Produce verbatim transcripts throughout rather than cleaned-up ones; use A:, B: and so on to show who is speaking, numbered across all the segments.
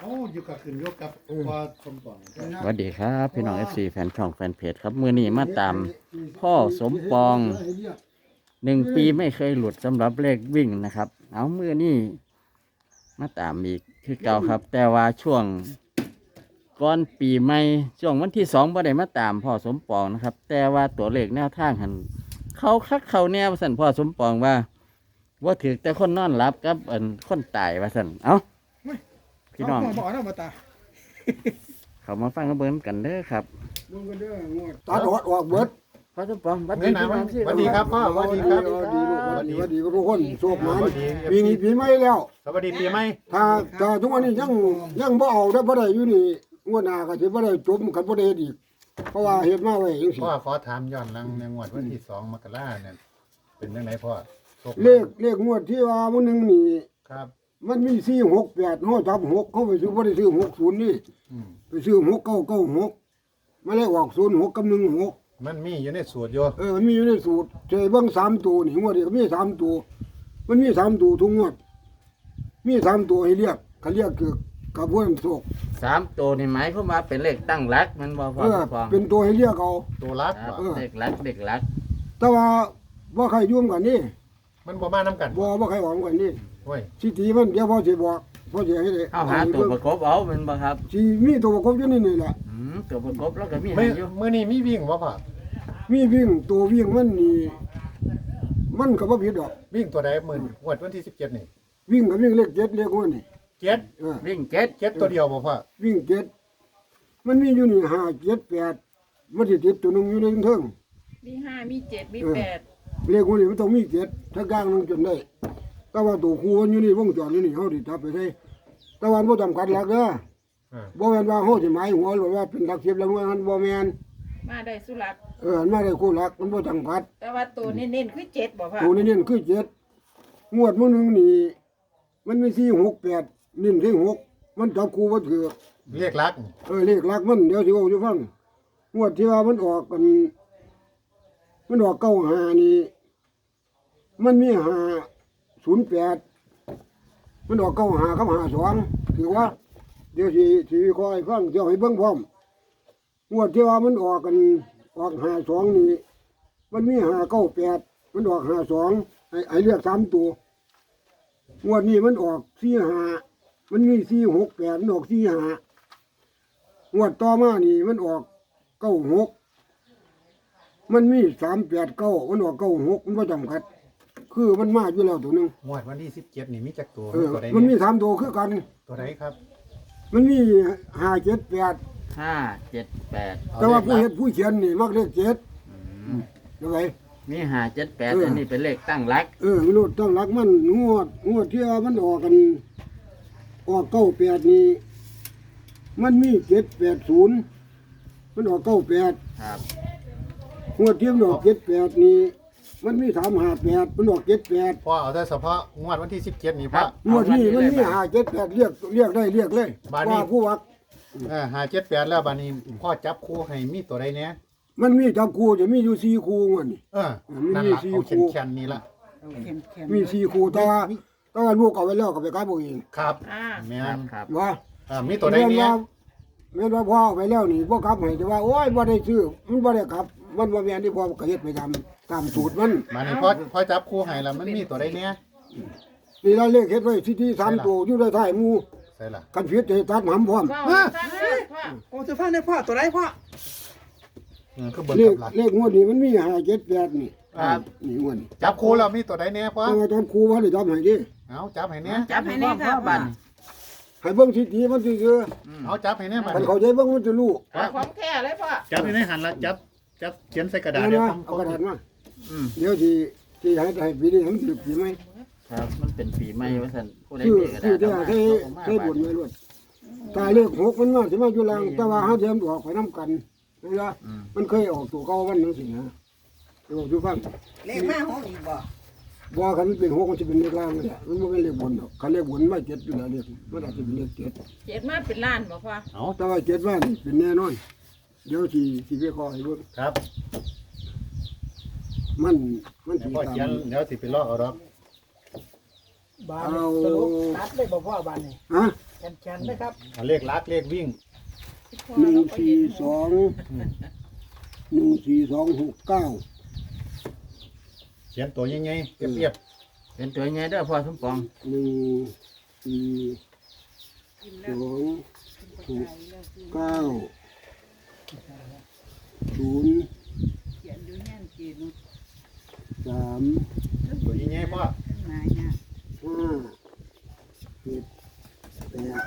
A: เอาอยู่กับขึ้นยกกับพอสมปอง
B: สวัสดีครับพี่น้อง เอฟ ซี แฟนช่องแฟนเพจครับมือนี้มาตามพ่อสมปองหนึ่งปีไม่เคยหลุดสำหรับเลขวิ่งนะครับ เอามือนี้มาตามอีกคือเก่าครับ แต่ว่าช่วงก่อนปีใหม่ช่วงวันที่สองบ่ได้มาตามพ่อสมปองนะครับ แต่ว่าตัวเลขแนวทางหันเขาคักเขาแนวสั่นพ่อสมปองว่าว่าถือแต่คนนอนหลับกับอันคนตายว่าสั่นเอ้าพี่น้อง
A: บอกนะมาตา
B: เขามาฟังกันเบิ้งกันเด้อครับ
A: มึงก็เด้องวด
C: ตัดออกออกเบิด
B: พ่อสมปองสวัส
D: เฮ้
B: ดี
D: ยนะ
B: พี่น้องที่
D: สวัสดีครับพ่อสวัสดีครับ
C: ดีลูกสวัสดีสวัสดีทุกคนโชคมัน
D: สวัสดี
C: ปีนี้ปีใหม่แล้ว
D: สวัสดีปีใหม่
C: ถ้าถ้าทุกวันนี้ยังยังบ่เอาได้บ่ได้อยู่นี่งวดหน้าก็สิบ่ได้จบกันบ่ได้เฮ็ดอีกเพราะว่าเฮ็ดมาไว้จังซี่
D: พ่อขอถามย้อนหลังในงวดวันที่สองมกราเนี่ยเป็นยังไงพ่อโชค
C: เลขเลขงวดที่ว่ามื้อนึงนี่
D: ครับ
C: มันมีสี่ หก แปดเฮาจับหกเขาไปซื้อบ่ได้ซื้อหกศูนย์นี่
D: อืม
C: ไปซื้อหกเก้าเก้าหกมาเลยออกศูนย์หกกับหนึ่งหก
D: มันมีอยู่ในสูตรอยู่
C: เออมันมีอยู่ในสูตรเจเบิ่งสามตัวนี่งวดนี้ก็มีสามตัวมันมีสามตัวทุกงวดมีสามตัวให้เรียกเขาเรียกคือกระบวนโศก
B: สามตัวนี่หมายความว่าเป็นเลขตั้งหลักมันบอกพ่อ
C: เออ
B: สมปอง
C: เป็นตัวให้เรียกเอา
D: ตัวรัก
B: ครับ
D: บ่
B: เลขหลักเลขหลัก
C: แต่ว่าบ่ใครยุ่งกันนี่
D: มันบ่มาน้ำกัน
C: บ่บ่ใครหวังกันนี่
D: โอ้ย
C: สิตีมันเดี๋ยวพ่อสิบอกพ่อสิให้ได้
B: เอาหาตัวประกบเอาเป็นบ่ครับ
C: สิมีตัวประกบอยู่นี่นี่แหละ
B: อืมตัวประกบแล้วก็มี
D: เมื่
B: ให้
D: อ
B: อยู่
D: เมื่อนี้มีวิ่งบ่พ่อ
C: มีวิ่งตัววิ่งมันนี่มันก็บ่ผิดดอก
D: วิ่งตัวใดหมื่นงวดวันที่สิบเจ็ดนี่
C: วิ่งก็วิ่งเลขเจ็ดเลขหัวนี่
D: เจ็ด
C: เออ
B: วิ่งเจ็ด
D: เจ็ดตัวเดียวบ่พ่อ
C: วิ่งเจ็ดมันมีอยู่นี่ห้าเจ็ดแปดมันสิติดตัวหนึงอยู่ในเทิง
E: มีห้ามีเจ็ดมีแปด
C: เลขหัวนี่มันต้องมีเจ็ดถ้ากลางนึงจนได้แต่ว่าตัวคู่มันอยู่นี่วงจรอยู่นี่เฮาสิจับไปได้แต่ว่าบ่จำกัดหลักเด้อ
D: อ่า
C: บ่แม่นว่าเฮาสิหมายหัวหรือว่าเป็นหลักสิบหลักหน่วยมันบ่แม่น
E: มาได้สุรัตน์
C: เออมันมาได้คู่หลักมันบ่จำกัด
E: แต่ว่าตัวเน้นๆคือเจ็ดบอกว่า
C: ตัวนี้เนี่ยคือเจ็ดงวดมื้อหนึงนี่มันมีสี่ หก แปดนิ่มที่หกมันจับคู่บ่ถือ
D: เรียกรัก
C: เออเลขหลักมันเดี๋ยวสิเว้าให้ฟังงวดที่ว่ามันออกกัน มันออกเก้าห้านี่มันมีห้าศูนย์แปดมันออกเก้าห้ากับห้าสองถือว่า เดี๋ยวสิสิวิเคราะห์ให้ฟังเดี๋ยวให้เบิ่งพร้อมงวดที่ว่ามันออกกันออกห้าสองนี่มันมีห้าเก้าแปดมันออกห้าสองให้ให้เลือกสามตัวงวดนี้มันออกสี่ห้ามันมีสี่หกแปดมันออกสี่ห้างวดต่อมานี่มันออกเก้าหกมันมีสามแปดเก้ามันออกเก้าหกมันบ่จำกัด คือมันมาอยู่แล้วตัวหนึง
D: งวดวันที่สิบเจ็ดนี่มีจักตัว
C: เออ
D: ตัวใด
C: มันมี
D: เนี่ย
C: สามตัวคือกัน
D: ตัวใดครับ
C: มันมีห้าเจ็ดแปด
B: ห้าเจ็ดแปด
D: เอ
C: แต่ว่าผู้
D: ลข
C: เฮ็
D: ลั
C: ด
D: ก
C: ผู้เขียนนี่มักเลขเจ็ดยังไง
B: มีห้าเจ็ดแปด
C: เอออั
B: อันนี้เป็นเลขตั้งหลัก
C: เออมนุษย์ต้องรักมันงวดงวดที่ว่ามันออกกัน ออกเก้าแปดนี่มันมีเจ็ดแปดศูนย์มันออกเก้าแปด
B: ครับ
C: งวดที่มันออกเจ็ดแปดนี่มันมีสามห้าแปดมันออกเจ็ดแปด
D: พ่อเอาแต่เฉพาะงวดวันที่สิบเจ็ดนี่พ่อ
C: งวดนี้มันมีห้าเจ็ดแปดเรียกเรียกได้เรียกเลย
D: บาดนี้
C: ว่าผู้วัก
D: เออหาเจ็ดแปดแล้วบานี้พ่อจับคู่ให้มีตัวใดเนี่ย
C: มันมีจับคู่จะมีอยู่สี่คู่งวดนี่
D: เออ
C: มี
D: นั่นละ
C: สี่
D: เอา
C: คู่
D: เข็นๆนี่ละ
C: มีสี่คู่แต่ว่าแต่ว่าลูกเอาไว้แล้วก็ไปขายบ่เอง
D: ครับ
E: อ่า
D: แม่
B: ครับ
D: น
B: ครับ
C: ว่า
D: เออมีตัวใดเนี่ย
C: แม่นว่าพ่อเอาไปแล้วนี่พ่อกลับให้แต่ว่าโอ้ยบ่ได้ซื้อมันบ่ได้กลับ มันบ่แม่นที่พ่อก็เฮ็ดไปตามตามสูตรมัน
D: มานี่พ่อพ่อจับคู่ให้แล้วมันมีตัวใดเนี่ย
C: นี่เราเลขเฮ็ดไว้ที่ที่สามตัวอยู่ในท้ายหมู่
D: ใช่ล่ะ
C: กันผิดจะตัดหำพร้อม
E: ว้าวตั้งเลยพ่อ
F: โอ้จะฟังได้พ่อตัวไรพ่อ
D: เออคือเบิ่ง
C: เลข
D: กับหลัก
C: เลขงวดนี้มันมีห้าเจ็ดแปดนี่
D: ครับ
C: นี่งวดนี้
D: จับคู่แล้วมีตัวใดเนี่ยพ่อ
C: แต่ว่าตอนครูว่าได้ทำให้ดิ
D: เอาจับให้เนี่ย
B: จับให้พ่อพ่อบัน
C: ให้เบิ่งสิทีมันสิคือ
D: เอาจับให้เนี่ยมา
C: คันเข้าใจเบิ่งมันจะรู้
E: เอาของแท้เลยพ่อ
D: จับให้ในหันละจับจับเขียนใส่กระดาษ
C: เอา
D: เดี๋ยว
C: นะ
D: ผม
C: เอากระดาษมา
B: อืม
C: เดี๋ยวสิสิให้ให้ปีนี้ทั้งสิบปีไหม
B: ครับมันเป็นปีใหม่ว่าสันผู้ใด
C: คือ
B: มีก็ได้
C: คือที่
B: เอามา
C: ให้
B: เอามา
C: ให้บุญไว้ด้วยตายเลขหกมันมาสิมาอยู่ล่างแต่ว่าหาเทียมออกไปนํกันนะจ๊ะ
B: อืม
C: มันเคยออกตัวเก่าวันนึงสินะเดี๋ยวดูฟัง
F: เลขห้าหกอีกบ่
C: บ่คันมันเป็นหกมันสิเป็นเลขล่างเลยมันบ่เป็นเลขบนหรอกคันเลขบนมาเจ็ดอยู่แล้วเลขมันอาจจะเป็นเลขเจ็ด
E: เจ็ดมาเป็นล้านบอกพ่อ
D: เอา
C: แต่ว่าเจ็ดว่านี่เป็นแน่นอนเดี๋ยวสิสิไปขอให้เบิ่ง
D: ครับ
C: มันมัน
D: เดี๋ย
C: สิ
D: วพ่อ
C: ตาม
D: เขียนเดี๋ยวสิไปลอกเอาดอก
G: บานนี่สรุปตัดได้บ่พ่อบานนี่
C: ฮะ
G: แขนๆนะครับ
D: เอาเลขลักเลขวิ่ง
C: หนึ่งสี่สองหนึ่งสี่สองหกเก้า
D: เขียนตัวยังไงเรียบ
B: เป็นตัวไงเด้อพ่อสมปอง
C: หนึ่งสี่สองหกเก้าศูนย์สาม
D: ๆตัวยังไงพ่อ
C: ห้าเจ็ดแปด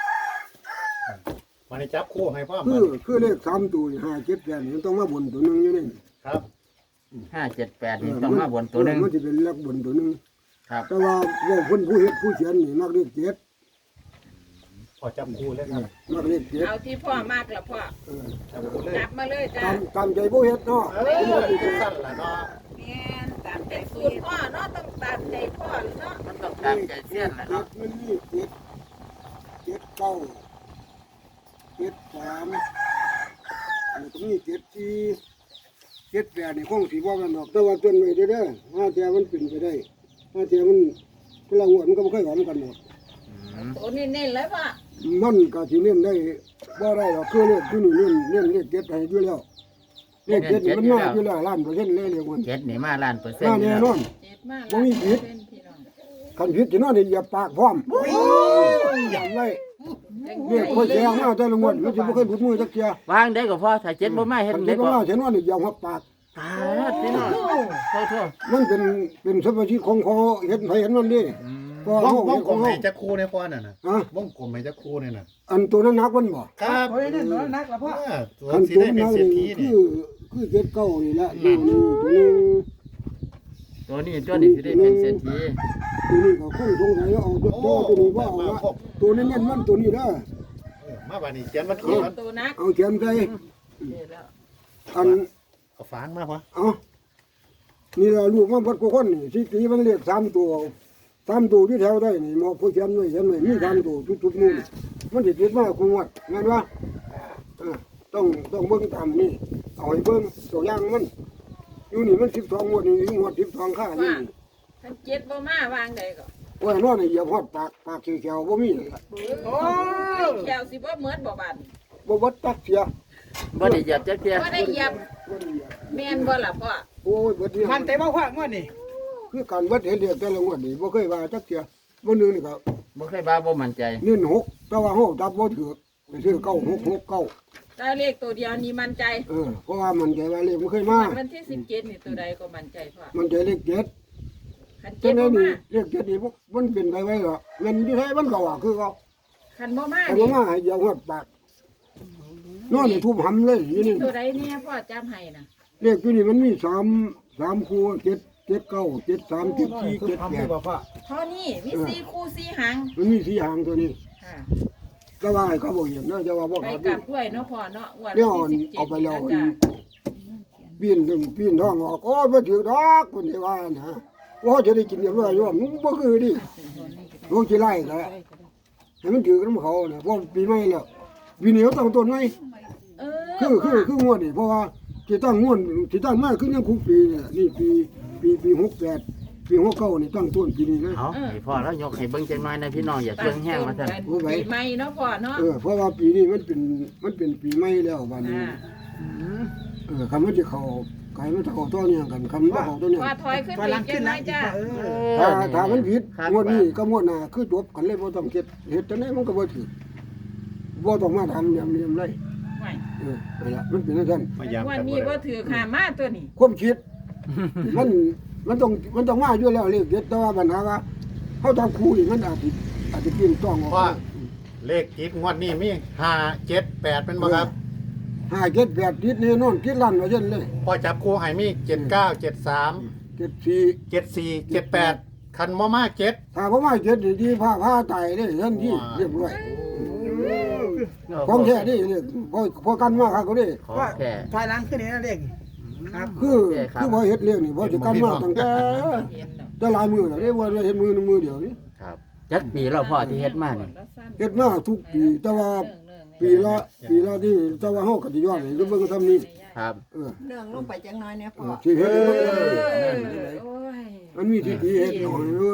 D: มาในจับคู่ให้พ่อ
C: คื
D: มา
C: อคือเลขสามตัวห้าเจ็ดแปดนี่มันต้องมาบนตัวหนึงอยู่นี่
D: ครับ
B: ห้าเจ็ดแปดนี่ต้องมาบนตัวหนึ่ง
C: มันจะเป็นเลขบนตัวหนึง
B: ครับ
C: แต่ว่าว่าคนผู้เฮ็ดผู้เขียนนี่มักเลขเจ็ด
D: พอจับคู่เลยครับ
C: มักเลขเจ็ด
E: เอาที่พ่อมากละพ่อ
C: เออ
D: จับคู่เลย
E: จับมาเลยจ้า
C: ตามตามใจผู้เฮ็ดเนาะ
D: เออสั้นละเนาะ
E: แม่นตามใจสูตรพ่อเนาะต้องตามใจพ่อเนาะ
B: มันต้องตามใจเสี้ยนแหละ
C: เจ็
B: เนาะ
C: ดมันมีเจ็ดเจ็ดเก้าเจ็ดสามแล้วก็มีเจ็ดสี่เจ็ดแปดนี่คงสีว่ากันดอกแต่ว่าต้นไม้เด้อเด้อห้าแถวมันเป็นไปได้ห้าแถวมันกลางวันมันก็ไม่ค่อยหวานกันหรอก
E: โอ้เน้นๆเลยพ่อ
C: มันก็สิเน้นได้บ่ได้หรอกคือเลขที่นี่เน้นเน้นเลขเจ็ดให้อยู่แล้วเลขเจ็ดนี่มันมาอยู่แล้วล้านเปอร์เซ็นต์เลยเรียกว่า
B: เจ็ดนี่มาล้านเปอร์เซ็น
C: มา
B: ต์อยู่
C: แน่
B: แล้ว
C: นอน
E: เจ็ดมาก
C: บ่มีผิด
E: เป็นพี่น้อง
C: คันผิดสินอนนี่อย่าปากพร้อมอย่างไรเลขค่อยแจ้งมาแต่ละงวดมันสิบ่เคยหลุดมือจักเที่ยว
B: วางได้ก็พ่อถ้าเจ็ดบ่มาเฮ็ด
C: คัน
B: ได้
C: เจ็ด
B: ก็
C: ก็มาเห็นว่านี่อย่าหัวปาก
B: ตายพี่น้องโทษโทษ
C: มันเป็นเป็นสมาชิกของเขาเห็นไผเห็นมันดิก็
D: ว
C: เฮาง
D: ว
C: เฮ็
D: ง
C: ด
D: ก
C: ข
D: ล
C: อง
D: ม
C: เฮา
D: ให้จับคู่ในพ่อน่ะนะ
C: ฮะ
D: วงกลมให้จับคู่เนี่ยน่ะ
C: อันตัวนั้นนักมันบ่
D: ครับ
G: โอ้ยนั่นน้อยนักละพ่อ
D: เออตัว
C: คัน
D: สี
C: ตัว
D: ได้เป็น
C: นั้น
D: เศรษฐี
C: นี่
D: นี่
C: คือคือเจ็ดเก้านี่แหละนี่นี่ตัวนี้
B: ตัวนี้ตัวนี้สิได้เป็นเศรษฐี
C: ตัวนี้ก็คงสงสัยว่าเอาตัวตัวนี้ว่าเอาว่าตัวนี้เน้นมันตัวนี้เด้อ
D: เออมาบัดนี้เขียนวันที่มัน
E: ตัวนัก
C: เอาเขียนใส่
E: เดี๋ยวแล้ว
C: อัน
D: เอาฟางมาพ่อ
C: เอานี่ล่ะลูกมันพัดกูคนนี่สิตีมันเรียกสามตัวสามตัวที่แถวได้นี่หมอผู้เขียนไว้เขียนไว้มีสามตัวทุกๆนู่นมันสิติดมาคุงวัดแม่นบ่เออต้องต้องเบิ่งตามนี่เอาให้เบิ่งตัวอย่างมันอยู่นี่มันสิบสองงวดนี่งวดสิบสองค่านี่
E: ท่านเจ็ดบ่มาวางใดก็
C: ว่าน้อนี่อย่าฮอดปากปากเขียวๆบ่มีนั่นล่ะ
G: โอ้
E: แก้วสิบ่เหมือนบ่บาน
C: บ่เบิดตักเสีย
B: บ่ได้เหยียบจักเที่ย
E: บ่ได้เหยียบแม่นบ่ล่ะพ่อ
C: โอ้ยเบิดนี่
G: มันใจบ่พ่องวดนี่
C: คือการเบิดเห็นเรียกแต่ละงวดนี่บ่เคยว่าจักเสียบ่นึงนี่ก็
B: บ่เคยบ้าบ่มั่นใจ
C: เน้นหกแต่ว่าเฮาจับบ่ถูกไปซื้อเก้าหกหกเก้า
E: ถ้าเลขตัวเดียวนี่มั่นใจ
C: เออเพราะว่ามันใจว่าเลขมันเคยมา
E: วันที่สิบเจ็ดนี่ตัวใดก็มั่นใจพ่อ
C: มันใจเลขเจ็ด
E: คัน
C: จั
E: เจ็ด
C: งได๋
E: บ่
C: นี่
E: มา
C: เลขเจ็ดนี่มันเป็นไปไว้หรอเงินอยู่ไทยมันก็ว่าคือเขา
E: คันบ่มา
C: แต่
E: นี่
C: ว่ามาให้เดียวฮอดปากนอนนี่ทุบหำเลยอยู่นี่
E: ตัวใดเนี่ยพ่อจำให้น่ะ
C: เลขอยู่นี่มันมีสามสามคู่เจ็ดเจ็ดเก้าเจ็ดสามเจ็ดสี่เจ็ด
G: ทำ
C: แป
G: ให้
C: ด
G: บ่พ่อ
E: เท่านี้มีสี่คู่สี่หาง
C: มันมีสี่หางตัวนี้
E: ค่ะ
C: ก็ว่าให้เขาบอกอย่างนั้นจะว่าบ่
E: ไป
C: ขาด
E: กลับด้วยเนาะพ่อเนาะวัน
C: เดี๋ยว
E: ที่สิบเจ็ด
C: เอาไปแล้ว
E: จ้ะ
C: ปีนถึงปีนท้องออกโอ้ยบ่ถือดอกคนที่ว่านะว่าจะได้กินเรียบร้อยอยู่มึงบ่คือดิลูกสิไล่ก็ให้มันถือกับเขาเนี่ยเพราะปีใหม่แล้วปีนี้เขาตั้งต้นใหม่
E: เออ
C: คือคือคืองวดนี่เพราะว่าที่ตั้งงวดที่ตั้งมาคือยังคุกปีเนี่ยนี่ปีปีปีหกแปดปีหกเก้านี่ตั้งต้นปีนี้นะ
B: เอาให้พ่อแล้วยกให้เบิ่งจังหน่อยนะพี่น้องอย่าเครื่องแห้งมาซั่น
C: โอ้ย
E: ปีใหม่เนาะพ่อเนาะ
C: เออเพราะว่าปีนี้มันเป็นมันเป็นปีใหม่แล้ววันนี้
E: อ่า
C: เออคำมันจะเข้าไก่มันจะเข้าตัวเนี่ยกันคำมันเข้าตัวเนี่ย
E: พ่อถอยขึ้น
G: พ
E: ไป
G: ลัง
E: จั
G: ขึ้
E: ง
G: น
E: ไร
G: นะอีก
E: จ้า
G: พ่อเออ
C: ถ้าถ้ามันผิด
B: ครับ
C: งวดนี้ก็งวดหน้าคือจบกันเลยบ่ต้องเฮ็ดเฮ็ดจังได๋มันก็บ่ถูกบ่ต้องมาทำอย่างนี้เลย
E: ไม่
C: เออนั่นล่ะมันเป็นจังซั่น
D: พยายาม
E: วัน
D: จับ
E: นี้
D: บ่
E: ก็
D: ได้
E: ถือขามาตัวนี้
C: ความคิด มันมันต้องมันต้องมาอยู่แล้วเลขเด็ดแต่ว่าปัญหาว่าเฮาทำคู่นี่มันอาจสิอาจจะเปลี่ยนต้องออก
D: ว่าเลขจิตงวดนี้มีห้าเจ็ดแปดเป็นบ่ครับ
C: ห้าเจ็ดแปดทิศแน่นอนทิศลั่นว่าซั่นเลย
D: พอจับคู่ให้มีเจ็ดเก้าเจ็ดสาม
C: เจ็ดสี่
D: เจ็ดสี่เจ็ดแปดคันมอมาเจ็ด
C: ถ้าบ่มาเจ็ดนี่ที่ผ้าผ้าตายเด้ทันที
D: ว้า
C: เรียบร้อยของแท้นี่เรียกพอพอกันมาครับก็ได้
B: ของแท้
G: พลังขึ้นนี่นะเด็กครับ
C: คือคือบ่เฮ็ดเรื่องนี่บ่สิกันมาตั้งแต่
E: เห็นเนาะ
C: แต่หลายมือแล้วเด้ว่าเฮ็ดมือหนึ่งมือเดียวนี่
B: ครับจักปีแล้วพ่อที่เฮ็ดมานี่
C: เฮ็ดมาทุกปีแต่ว่าปีละปีละนี่แต่ว่าเฮาก็สิย้อนให้เบิ่งทำนี่
B: ครับ
C: เออ
F: เรื่องลงไปจังน้อยเนี่ย
C: เอ
F: พ่อ
C: อสิเฮ็ดให้มัน
E: โอ้ย
C: มันมีที่ดีเฮ็ดหน่อยเรื่อง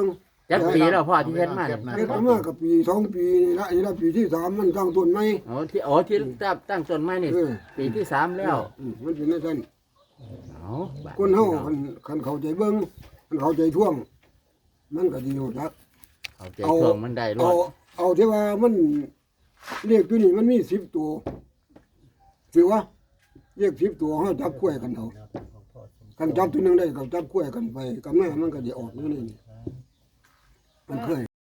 B: จักปีแล้วพ่อที่เฮ็ดมา
D: เก็
B: เนี่ย
D: บนะ
C: เฮ็ดมากับปีสองปีนี่ละนี่ละปีที่สามมันสร้างต้นไม้
B: อ๋อที่อ๋อที่ตั้งตั้งต้นไม้นี่
C: เออ
B: ปีที่สามแล้ว
C: อืมมันเป็นนั่นซั่น
B: เอาบัด
C: คนเฮาคันคันเข้าใจเบิ่งคันเข้าใจท่วง มันก็ดีหมดละ
B: เอาใจช่วงมันได้ร
C: เอา
B: อด
C: เอาที่ว่ามันเรียกตัวนี้มันมีสิบตัวถือว่าเรียกสิบตัวเฮาจับคู่กันเอาคันจับตัวหนึงได้ก็จับคู่กันไปกับแม่มันก็สิออกอยู่นี่มันเคย